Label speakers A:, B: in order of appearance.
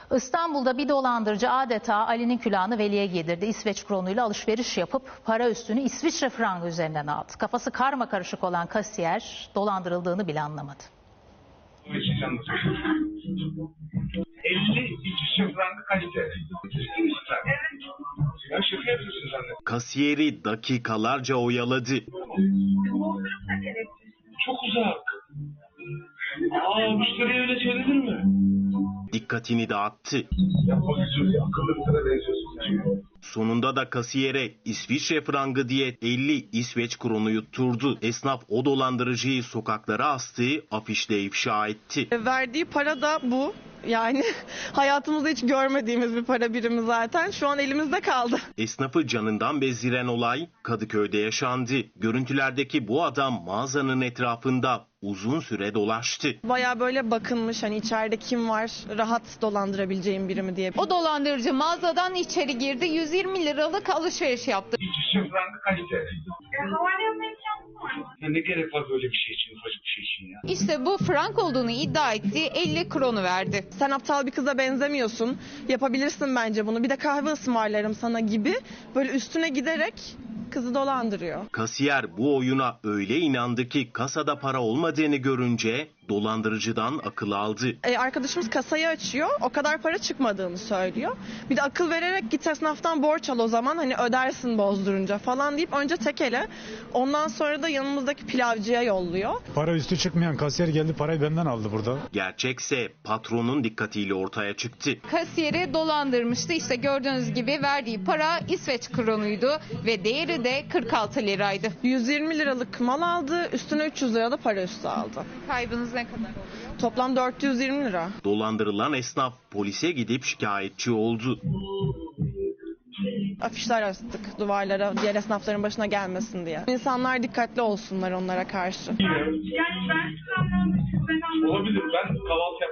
A: İstanbul'da bir dolandırıcı adeta Ali'nin külahını Veli'ye giydirdi. İsveç kronuyla alışveriş yapıp para üstünü İsviçre frangı üzerinden aldı. Kafası karmakarışık olan kasiyer dolandırıldığını bile anlamadı.
B: 50 İsviçre frangı kaç TL? Ciddi misin sen? Evet. Ya şaka yapıyorsun sen de.
C: Kasiyeri dakikalarca oyaladı.
B: Çok uzak. Müşteriye öyle söylenir mi?
C: Dikkatini dağıttı.
B: Yapma gücüm ya. Akıllı bir sana benziyorsun sen.
C: Sonunda da kasiyere İsviçre frangı diye 50 İsveç kronu yutturdu. Esnaf o dolandırıcıyı sokaklara astığı afişle ifşa etti.
D: Verdiği para da bu. Yani hayatımızda hiç görmediğimiz bir para birimi zaten. Şu an elimizde kaldı.
C: Esnafı canından bezdiren olay Kadıköy'de yaşandı. Görüntülerdeki bu adam mağazanın etrafında uzun süre dolaştı.
D: Bayağı böyle bakınmış, hani içeride kim var, rahat dolandırabileceğim biri mi diye.
E: O dolandırıcı mağazadan içeri girdi, 120 liralık alışveriş yaptı.
B: İsviçre frangı kaç TL?
F: Havale yapma imkanı var mı?
B: Ya ne gerek var böyle bir şey için, ufacık bir şey için ya?
E: İşte bu frank olduğunu iddia etti, 50 kronu verdi.
D: Sen aptal bir kıza benzemiyorsun, yapabilirsin bence bunu, bir de kahve ısmarlarım sana gibi böyle üstüne giderek kızı dolandırıyor.
C: Kasiyer bu oyuna öyle inandı ki kasada para olmadığını görünce dolandırıcıdan akıl aldı.
D: Arkadaşımız kasayı açıyor, o kadar para çıkmadığını söylüyor. Bir de akıl vererek git esnaftan borç al o zaman, hani ödersin bozdurunca falan deyip önce tekele, ondan sonra da yanımızdaki pilavcıya yolluyor.
G: Para üstü çıkmayan kasiyer geldi, parayı benden aldı burada.
C: Gerçekse patronun dikkatiyle ortaya çıktı.
E: Kasiyeri dolandırmıştı. İşte gördüğünüz gibi verdiği para İsveç kronuydu ve değeri de 46 liraydı.
D: 120 liralık mal aldı, üstüne 300 lira da para üstü aldı.
E: Kaybınız ne kadar oluyor?
D: Toplam 420 lira.
C: Dolandırılan esnaf polise gidip şikayetçi oldu.
D: Afişler astık duvarlara, diğer esnafların başına gelmesin diye. İnsanlar dikkatli olsunlar onlara karşı.
F: Yani ben şu anlamda ben anlamadım.
B: Olabilir. Ben kahvaltı